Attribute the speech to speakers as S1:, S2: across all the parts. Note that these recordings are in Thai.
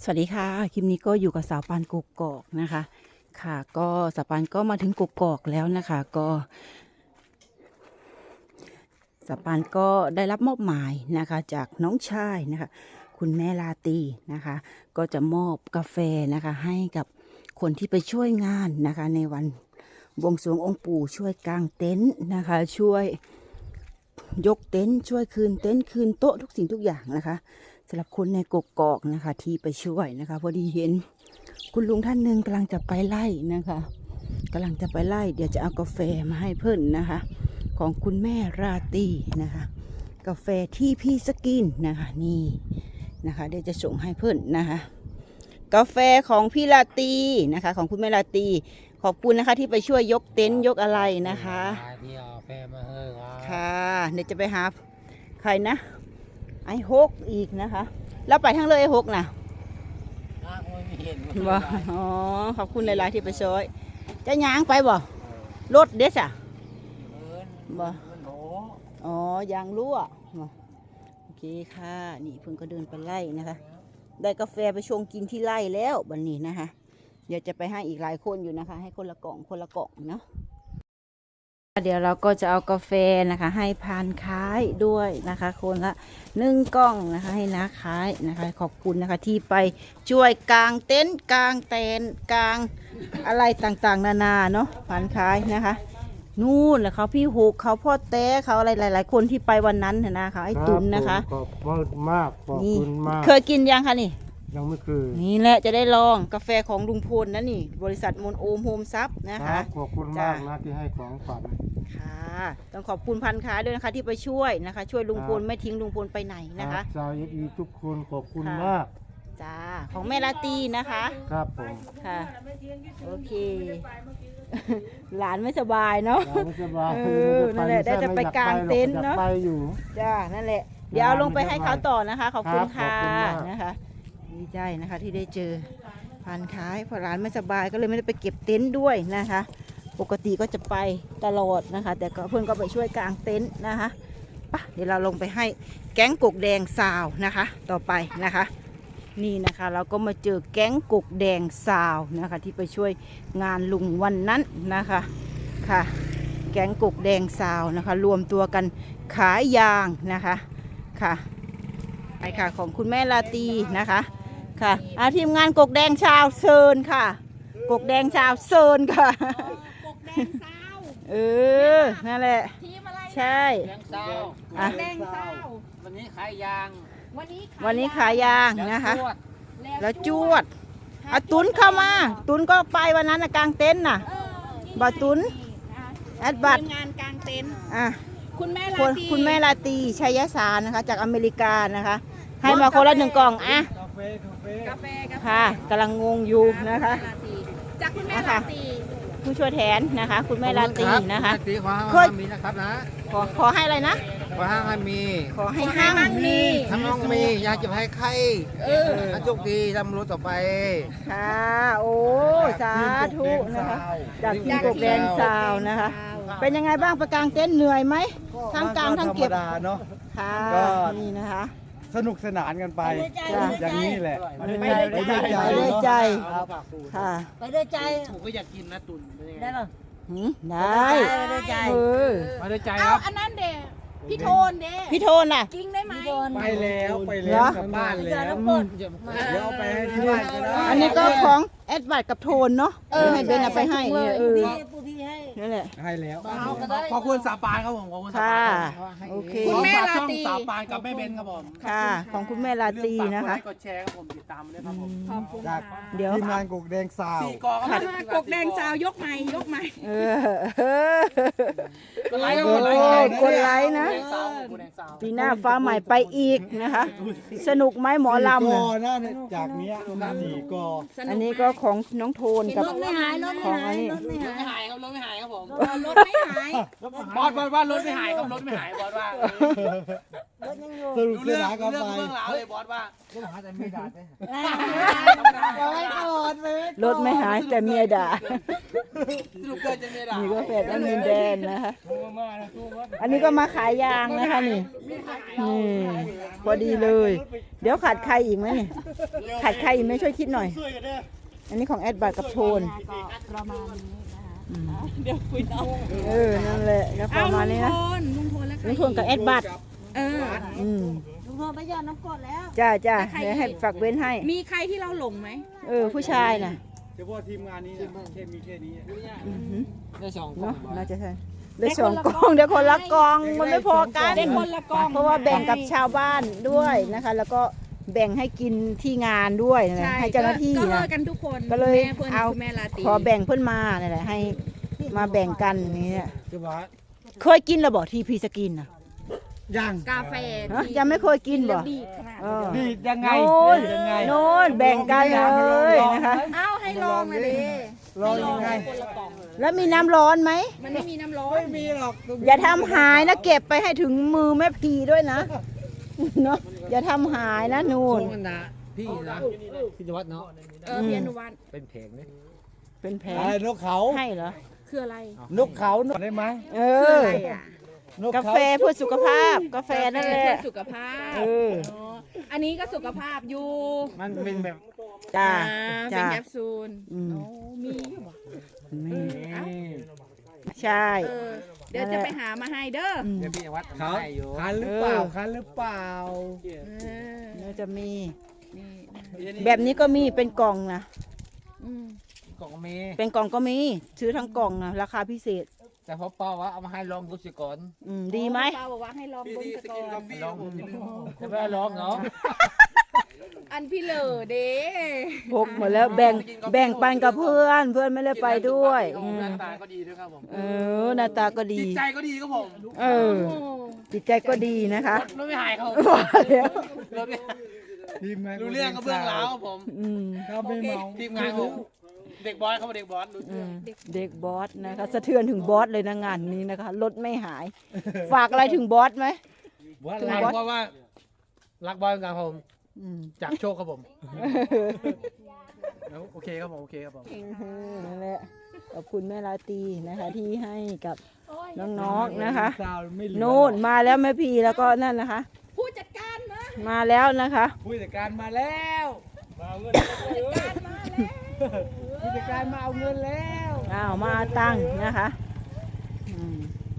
S1: สวัสดีค่ะคลิปนี้ก็อยู่กับสาวปานกกอกนะคะค่ะก็สาวปานก็มาถึงกกอกแล้วนะคะก็สาวปานก็ได้รับมอบหมายนะคะจากน้องชายนะคะคุณแม่ลาตีนะคะก็จะมอบกาแฟนะคะให้กับคนที่ไปช่วยงานนะคะในวันบวงสรวงองค์ปู่ช่วยกางเต็นท์นะคะช่วยยกเต็นท์ช่วยคืนเต็นท์คืนโต๊ะทุกสิ่งทุกอย่างนะคะสำหรับคนในกกอกนะคะที่ไปช่วยนะคะพอดีเห็นคุณลุงท่านหนึ่งกำลังจะไปไล่นะคะกำลังจะไปไล่เดี๋ยวจะเอากาแฟมาให้เพิ่นนะคะของคุณแม่ราตรีนะคะกาแฟที่พี่สกินนะคะนี่นะคะเดี๋ยวจะส่งให้เพิ่นนะคะกาแฟของพี่ราตรีนะคะของคุณแม่ราตรีขอบคุณนะคะที่ไปช่วยยกเต็นท์ยกอะไรนะคะ
S2: ที่เอาแฟมาเฮ้ครับ
S1: ค่ะเดี๋ยวจะไปหาใครนะไอ้ฮกอีกนะคะแล้วไปทั้งเลยไอ้ฮกนะ
S2: ไม่เห็น
S1: บ่อ๋อขอบคุณหลายๆที่ไปช่วยจะย้างไปบ่รถเด็ดอ่ะบ่อ๋อยางรั่วโอเคค่ะนี่เพิ่งก็เดินไปไล่นะคะได้กาแฟไปชงกินที่ไล่แล้วบัดนี้นะคะเดี๋ยวจะไปให้อีกหลายคนอยู่นะคะให้คนละกล่องเนาะเดี๋ยวเราก็จะเอากาแฟนะคะให้พานขายด้วยนะคะคนละ1 กล่องนะคะให้น้าขายนะคะขอบคุณนะคะที่ไปช่วยกางเต็นท์กางเต็นท์กางอะไรต่างๆนานาเนาะพานขายนะคะนู่นแหละเขาพี่หูกเขาพ่อแต้เขาอะไรหลายๆคนที่ไปวันนั้นนะคะไอ้ตุนนะคะ
S3: ขอบคุณมากขอบคุณมาก
S1: เคยกินยังคะนี่
S3: ยังไม่เคย
S1: นี่แหละจะได้ลองกาแฟของลุงพลนะนี่บริษัทมนโอมโฮมซับนะคะ
S3: ขอบคุณมากนะที่ให้ของขวัญ
S1: ค่ะต้องขอบคุณพันค้าด้วยนะคะที่ไปช่วยนะคะช่วยลุงพลไม่ทิ้งลุงพลไปไหนนะคะ
S3: ชาวยีทุกคนขอบคุณมาก
S1: จ้าของแม่ลาตีนะคะ
S3: ครับผม
S1: ค่ะโอเคหลานไม่สบายเนาะ
S3: ไม่สบาย
S1: นั่นแหละได้จะไปกางเต็นท์เนาะ
S3: ไปอยู่
S1: จ้านั่นแหละเดี๋ยวเอาลงไปให้เขาต่อนะคะขอบคุณค่ะนะคะดีใจนะคะที่ได้เจอพันค้าพอหลานไม่สบายก็เลยไม่ได้ไปเก็บเต็นท์ด้วยนะคะปกติก็จะไปตลอดนะคะแต่ก็เพื่อนก็ไปช่วยกางเต็นท์นะคะปะเดี๋ยวเราลงไปให้แก๊งกกแดงซาวนะคะต่อไปนะคะนี่นะคะเราก็มาเจอแก๊งกกแดงซาวนะคะที่ไปช่วยงานลุงวันนั้นนะคะค่ะแก๊งกกแดงซาวนะคะรวมตัวกันขายยางนะคะค่ะไปค่ะของคุณแม่ลาตีนะคะค่ะทีมงานกกแดงชาวเซินค่ะกกแดงชาวเซินค่ะนั่นแหละใช่
S2: แดงเศร้า
S4: แดงเศร้า
S2: วันนี้ขายยาง
S1: วันนี้ขายยางนะคะแล้วจวดตุนเข้ามาตุนก็ไปวันนั้นกลางเต็นท์น่ะบ่ตุนแอดบัต
S4: งานกลางเต็นท์
S1: คุณแม่ลาตีชัยสารนะคะจากอเมริกานะคะให้มาคนละ1 กล่องอ่ะ
S4: กาแฟ
S1: ค่ะกำลังงงอยู่นะคะ
S4: จากคุณแม่ลาตี
S1: ผู้ช่วยแทนนะคะคุณแม่ลาตีนะคะ
S2: ขอให้มีนะครับนะ
S1: ขอให้อะไรนะ
S2: ขอให้มี
S1: ขอให้ห้างมี
S2: ทั้งน้องมีอยากจะให้ใครโชคดีทำรู้ต่อไป
S1: ค่ะโอ้สาธุนะคะจากทีมกกแดงซาวนะคะเป็นยังไงบ้างประกางเต็นท์เหนื่อยไหมทั้งกลางทั้งเก็บ
S3: เนาะ
S1: ค่ะนี่นะคะ
S3: สนุกสนานกันไปอย่างนี้แหละ
S1: ไปด้วยใจค่ะ
S4: ไปด้วยใจ
S2: ผมก็อยากกินนะตุน
S4: ได้ป่ะ
S1: ได้
S4: ไปด้วยใจ
S2: ไปด้วยใจครับ
S4: อันนั้นเด็พี่โทนเด้
S1: พี่โทนน่ะ
S4: จริงได้ไหม
S3: ไปแล้วกลับบ้านแล้วเดี๋ยวเอาไปให้ที่บ้านก็ได้
S1: อันนี้ก็ของแอดบัตกับโทนเนาะให้เบนเอาไปให้นั่นแหละ
S3: ให้แล้ว
S2: ขอบคุณสาปานครับผมขอบคุณ
S1: ค่ะโอเค
S4: คุณแม่ลาตี
S2: สาปานกับแม่เบนครับผม
S1: ค่ะของคุณแม่ลาตีนะคะ
S2: กดแชร์ครับผมติดตามด้วยครับผม
S4: ขอบคุณ
S1: เดี๋ยว
S3: ทีมงานกกแดงซาว
S4: กกแดงซาวยกใหม่
S1: กดไลค์นะปีหน้าฟ้าใหม่ไปอีกนะคะสนุกไหมหมอลำ
S3: จากนี้4 กอ
S1: อันนี้ก็ของน้องโทนกับของอันนี้
S2: ครับผม
S4: รถไม่หาย
S2: บอสว่ารถไม่หายครับรถไม่หายบอสว่า
S3: สรุป
S2: รู้
S3: เรื่
S2: เรื่
S3: อ
S2: อง ง
S3: ก็
S2: เรื่อง
S3: ไป
S2: เรื่องราวเลยบอสว่า
S1: รถไม่หายแต่เมียด่า
S2: สรุปเกิดจะมีด่า
S1: นี่ก็แฟนแอดมินแดนนะคะ อันนี้ก็มาขายยางนะคะนี่พอดีเลย เดี๋ยวขาดใครอีกไหมนี่ขาดใครอีกไหมช่วยคิดหน่อย อันนี้ของแอดบัตกับโทน
S4: ประมาณนี้นะคะ
S1: อืม
S4: เดี๋ยวคุยต่อ
S1: นั่นแหละก็ประมาณนี้นะ
S4: ลุงโทนแล้ว
S1: ลุงโทนกับแอดบัต
S4: ลุง
S1: ลุ
S4: โทนไปหยอดน้ำกรดแล้ว
S1: จ้าเดี๋ยวให้ฝากเว้นให้
S4: มีใครที่เราหลงไหม
S1: ผู้ชายน่ะ
S3: เฉพาะทีมงานนี้นะแค่มีแค่นี้
S1: อือหือ
S2: ได้สอง
S1: เนาะน่าจะใช่ได้สองกองเดี๋ยวคนละกองมันไม่พอกัน
S4: ได้คนละกอง
S1: เพราะว่าแบ่งกับชาวบ้านด้วยนะคะ แล้วก็แบ่งให้กินที่งานด้วยนะ
S4: ใช่
S1: ให้เจ้าหน้าที่
S4: ก็เลิ
S1: นะ
S4: กกันทุกคน
S1: ก็เลย
S4: แม่เพื่อน
S1: เอา
S4: คุณแม่ลาตรี
S1: ขอแบ่งเพื่อนมานี่แหละให้มาแบ่งกันอย่างนี้ย
S3: คือว่า
S1: เคยกินระบอกทีพีสกินนะ
S3: ยัง
S4: กาแฟ
S1: ฮะยังไม่เคยกินบ่
S4: ดีขนาด
S1: เออ
S3: นี่ยังไง
S1: โน่น
S3: ยังไง
S1: โน่นแบ่งกันเลยนะคะ
S4: เอ้าให้ลองเลยดิ
S3: ลองยังไง
S4: คนละกล่อง
S1: แล้วมีน้ำร้อนไหม
S4: มันไม่มีน้ำร้อน
S3: ไม่มีหรอก
S1: อย่าทำหายนะเก็บไปให้ถึงมือแม่พีด้วยนะเนาะอย่าทำหายนะนูน
S2: มันนะพี่นะพี่นวัดเนาะ
S4: เพียรนุวัน
S2: เป็นเพลงนี่
S1: เป็นแผล
S3: อะไรนกเขา
S1: ให้เหรอ
S4: คืออะไร
S3: นกเขานกได้ไหม
S1: เอ
S4: คือ
S1: อ
S4: อะไรอ่ะ
S3: นก
S1: กา
S3: เขา
S1: แฟเพื่อสุขภาพ กาแฟนั่นแหละ
S4: เพื่อสุขภาพ
S1: เออ
S4: อ๋ออันนี้ก็สุขภาพอยู่
S3: มันเป็นแบบ
S1: จ้า
S4: เป็
S1: จ้า
S4: นแคปซูล
S1: อืม
S4: โอ้มีอยู่บ่
S1: นี่
S4: เอ้า
S1: ใช่
S4: เออเดี๋ยวจะไปหามาให้เด้อ
S1: อืม
S2: เดี๋ยวพี่นวัด
S3: เขา
S2: ให้อยู่
S3: คันหรือเปล่าคันหรือเปล่า
S4: เออ
S1: เดี๋ยวจะมี
S4: นี่นะ
S1: แบบนี้ก็มีเป็นกล่องนะ
S4: อืม
S2: กล่องเมย์
S1: เป็นกล่องก็มี ซื้อทั้งกล่องนะราคาพิเศษ
S2: แต่พอป้าว่าเอามาให้ลองดูสิก่อน
S1: ดีไหม
S4: ป้าบอกว่าให้ลองเบนสก่อน
S2: ลองจะไม่ลองเนาะ
S4: อันพี่เหลอเด้
S1: พกหมดแล้วแบ่งปันกับเพื่อน เพื่อนไม่ได้ไปด้วยอืม
S2: หน้าตาก็ดีด้วยครับผม
S1: หน้าตาก็ดี
S2: จิตใจก็ดีครับผม
S1: เออ จิตใจก็ดีนะคะ
S2: รถไม่หายครับผม
S1: ว่าแล้ว
S2: รถไม่
S3: ทีมงาน
S2: รู้เรื่องก็เบื้องหลังครับผม
S1: อืม
S3: เขาไม่เมา
S2: ทีมงานผมเด็กบอสเขาเป็นเด็กบอสรู้
S1: อื
S2: เรื่อง
S1: มเด็กบอสนะคะสะเทือนถึงบอสเลยนะงานนี้นะคะรถไม่หาย ฝากอะไรถึงบอสไหม
S3: ว่า
S1: ถึง
S2: รัก
S1: บอส
S2: เพราะว่ารักบอสกันครับผม
S1: อืม
S2: จากโชคครับผมแล้วโอเคครับผมโอเคครับผม
S1: นั่นแหละขอบคุณแม่ราตรีนะคะ ที่ให้กับน้องๆนะคะ
S3: สาวไม่เหลือ
S1: โน่นมาแล้วแม่พีแล้วก็นั่นนะคะ
S4: ผู้จัดการมา
S1: มาแล้วนะคะ
S3: ผู้จัดการมาแล้วมาเอาเงิน
S4: การมาแล้ว
S3: ผู้จัดการมาเอาเงินแล้ว
S1: อ้าวมาเอาตังค์นะคะอืม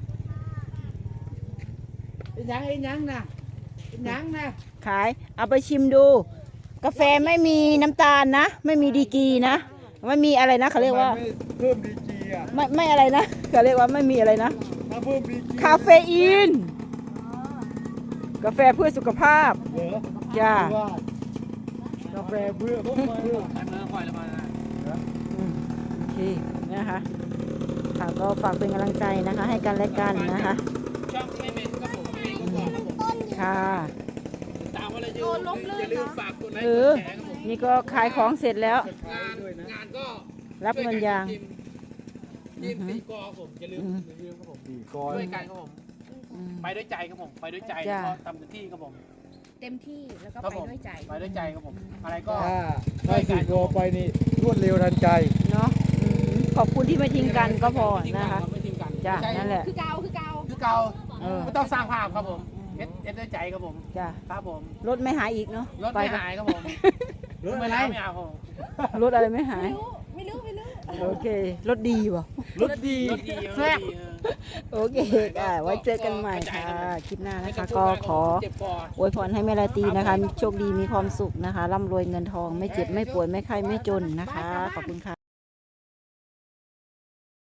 S3: เป็นยังนะเป็นยังนะ
S1: ขายเอาไปชิมดู กาแฟไม่มีน้ำตาลนะ ไม่มีดีกรีนะไม่มีอะไรนะเขาเรียกว่า
S3: ทำไมไม่เพิ่มดีกรีอ่ะ
S1: ไม่อะไรนะเขาเรียกว่าไม่มีอะไรนะ
S3: ถ้าเพิ่มดีกรี
S1: คาเฟอีน กาแฟเพื่อสุขภาพ
S3: เหรอ
S1: จ้า
S3: ว่ากาแฟเพื่อเพื่อ
S2: ไอ้เมืองคอยละมา
S1: โอเคนะคะค่ะก็ฝากเป็นกำลังใจนะคะ ให้กันและกันนะคะ
S2: ช่องไม่เป็นครับผมไม่ก็บอกครับผม
S1: ค่ะ
S2: ตามว่าอะไรอย่าลืมฝากกดไลค์
S1: เอก อ
S2: ดแชร์ครับผม
S1: นี่ก็ขายของเสร็จแล้ว
S2: งานก็
S1: รับเงินยาง
S2: ทีมสี่กอครับผมอย่าลืมครับผม
S3: ดีก่อน
S2: ช่วยกันครับผม
S1: อืม
S2: ไปด้วยใจครับผมไปด้วยใจ
S1: จ้ะ
S2: ก็ทำเต็มที่ครับผม
S4: เต็มที่แล้วก็
S2: ครับ
S4: ไป
S2: ผม
S4: ด้วยใจ
S2: ไปด้วยใจครับผมอะไรก็
S3: ถ้าสี่โกไปนี่รวดเร็วทันใจ
S1: เนาะขอบคุณที่ไม่ทิ้งกันก็พอนะคะ
S2: ไม่ทิ้งกัน
S1: จ้ะ
S2: ไม่ใช่
S1: นั่นแหละ
S4: คือเกาคือเกา
S2: คือเก่า
S1: เออ
S2: ไม่ต้องสร้างภาพครับผมเอ็ดด้วยใจครับผม
S1: จ้ะ
S2: ครับผม
S1: รถไม่หายอีกเนาะ
S2: รถไม่หายครับผม
S3: รถอะไร
S2: ไม่เอาครับผม
S1: รถอะไรไม่หาย
S4: ไม่รู้
S1: โอเค รถดีว่ะ
S3: รถดี
S2: รถดี
S3: แซ่บ
S1: โอเคค่ะไว้เจอกันใหม่ค่ะ คลิปหน้านะคะ ก็ขอ
S2: เจ็บคอ
S1: อวยพรให้แม่ราตรีนะคะ โชคดีมีความสุขนะคะ ร่ำรวยเงินทอง ไม่เจ็บไม่ป่วยไม่ไข้ไม่จนนะคะ ขอบคุณค่ะ